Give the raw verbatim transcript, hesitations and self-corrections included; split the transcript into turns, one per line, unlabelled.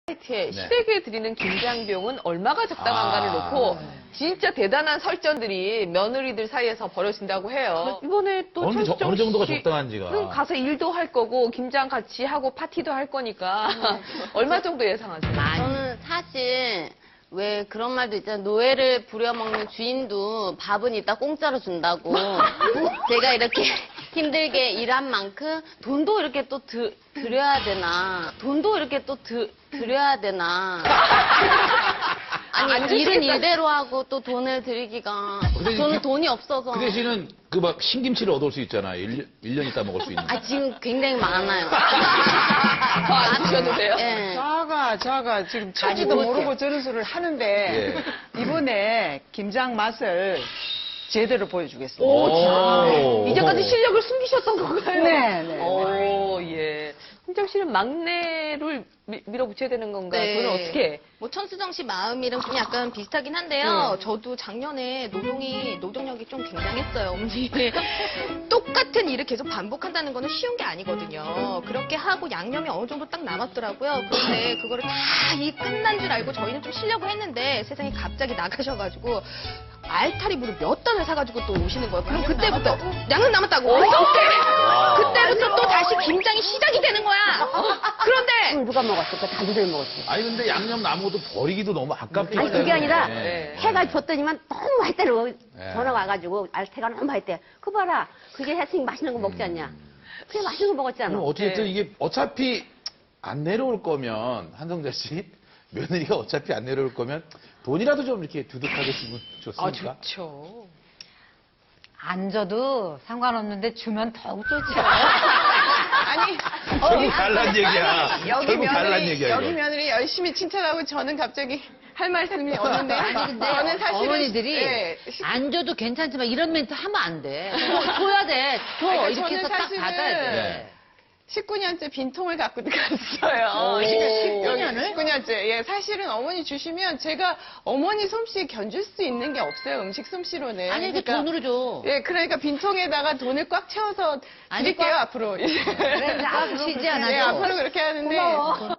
사이트에
네.
시댁에 드리는 김장비용은 얼마가 적당한가를
아.
놓고 진짜 대단한 설전들이 며느리들 사이에서 벌어진다고 해요. 이번에 또
어느, 저-
천수정
어느 정도가
씨
적당한지가.
는 가서 일도 할 거고 김장 같이 하고 파티도 할 거니까 얼마 정도 예상하세요?
저는 사실 왜 그런 말도 있잖아요. 노예를 부려먹는 주인도 밥은 이따 공짜로 준다고. 제가 이렇게 힘들게 일한 만큼 돈도 이렇게 또 드, 드려야 되나. 돈도 이렇게 또 드, 드려야 되나.
안
아니, 일은
주시겠다.
일대로 하고 또 돈을 드리기가.
근데
저는
이게-
돈이 없어서.
그 대신은 그 막 신김치를 얻을 수 있잖아. 일 년 있다 먹을 수 있는.
아, 지금 굉장히 많아요.
더안 주셔도 돼요?
예.
자가 자가 지금 처지도
아니,
모르고 저런 소리를 하는데 이번에 김장 맛을 제대로 보여주겠습니다.
오,
이제까지 실력을 숨기셨던 건가요?
네, 네.
오, 예. hun정 씨는 막내를 미- 밀어붙여야 되는 건가요?
네.
그건 어떻게?
뭐 천수정 씨 마음이랑 좀 약간 비슷하긴 한데요. 저도 작년에 노동이 노동력이 좀 굉장했어요, 어머니. 똑같은 일을 계속 반복한다는 거는 쉬운 게 아니거든요. 그렇게 하고 양념이 어느 정도 딱 남았더라고요. 그런데 그거를 다 이 끝난 줄 알고 저희는 좀 쉬려고 했는데 세상에 갑자기 나가셔가지고 알타리무를 몇 단을 사가지고 또 오시는 거예요. 그럼 그때부터 양은 남았다고. 어떡해! 그때부터 또 다시 김장이 시작이 되는 거야. 그런데
누가 먹었을까? 다들 먹었어.
아니 근데 양념 남은 것도 버리기도 너무 아깝기 때문에.
아니 그게 아니라
네.
해가 줬더니만 너무 했대로
네.
전화 와가지고 알태가 너무 했대. 그 봐라 그게 했으니 맛있는 거 먹지 않냐. 그래 맛있는 거 먹었잖아.
그럼 어쨌든
네.
이게 어차피 안 내려올 거면 한성자 씨 며느리가 어차피 안 내려올 거면 돈이라도 좀 이렇게 두둑하게 주면
아,
좋습니까?
좋죠.
안 줘도 상관없는데 주면 더욱 좋죠.
아니,
결국 달란 얘기야.
여기
결국 달란
며느리,
얘기야.
여기
이거.
며느리 열심히 칭찬하고 저는 갑자기 할 말씀이 없는데.
아니 근데
저는 사실은.
어머니들이
예,
안 줘도 괜찮지만 이런 멘트 하면 안 돼. 줘, 줘야 돼. 줘.
그러니까
이렇게 해서
저는
딱
사실은
받아야 돼.
네.
십구 년째 빈통을 갖고 갔어요. 십구 년을? 십구 년째. 예, 사실은 어머니 주시면 제가 어머니 솜씨 견줄 수 있는 게 없어요. 음식 솜씨로는.
아니 그
그러니까,
돈으로 줘.
예, 그러니까 빈통에다가 돈을 꽉 채워서
아니,
드릴게요,
꽉-
앞으로.
그래, 앞으로 쉬지 않아도.
예, 앞으로 그렇게 하는데.
고마워.